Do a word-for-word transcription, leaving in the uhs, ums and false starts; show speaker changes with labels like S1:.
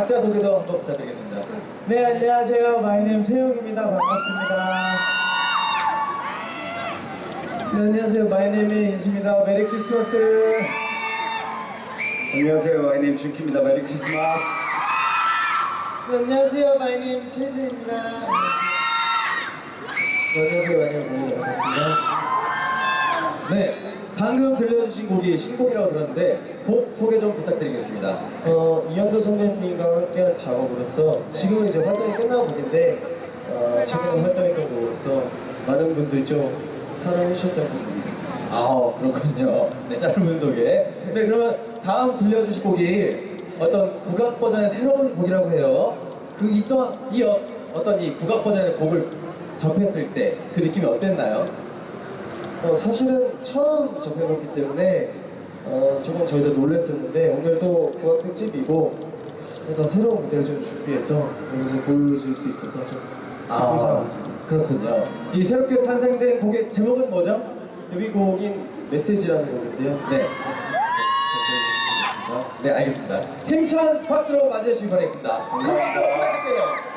S1: 각자 소개도 한번 부탁드리겠습니다.
S2: 네, 안녕하세요. 마이네임 세용입니다. 반갑습니다. 네, 안녕하세요. 마이네임 인수입니다. 메리 크리스마스.
S3: 안녕하세요. 마이네임 준키입니다. 메리 크리스마스.
S2: 네, 안녕하세요. 마이네임 최재입니다. 네, 안녕하세요. 마이네임 고은입니다. 반갑습니다.
S1: 네, 방금 들려주신 곡이 신곡이라고 들었는데 곡 소개 좀 부탁드리겠습니다.
S2: 어, 이현도 선배님과 함께한 작업으로서 지금은 이제 활동이 끝나고 곡인데 어, 최근에 활동했던 곡으로서 많은 분들이 좀 사랑해 주셨던 곡입니다.
S1: 아, 그렇군요. 네, 짧은 소개. 네, 그러면 다음 들려주실 곡이 어떤 국악 버전의 새로운 곡이라고 해요. 그 있던 이 어, 어떤 이 국악 버전의 곡을 접했을 때 그 느낌이 어땠나요?
S2: 어, 사실은 처음 접해봤기 때문에 어, 조금 저희도 놀랐었는데 오늘도 국악 특집이고 그래서 새로운 무대를 좀 준비해서 여기서 보여줄 수 있어서 좀 기쁘게 생각하고 있습니다.
S1: 그렇군요. 이 새롭게 탄생된 곡의 제목은 뭐죠?
S2: 데뷔곡인 메시지라는 곡인데요.
S1: 네. 네, 알겠습니다. 힘찬 박수로 맞이해 주시기 바라겠습니다. 감사합니다. 부탁드릴게요.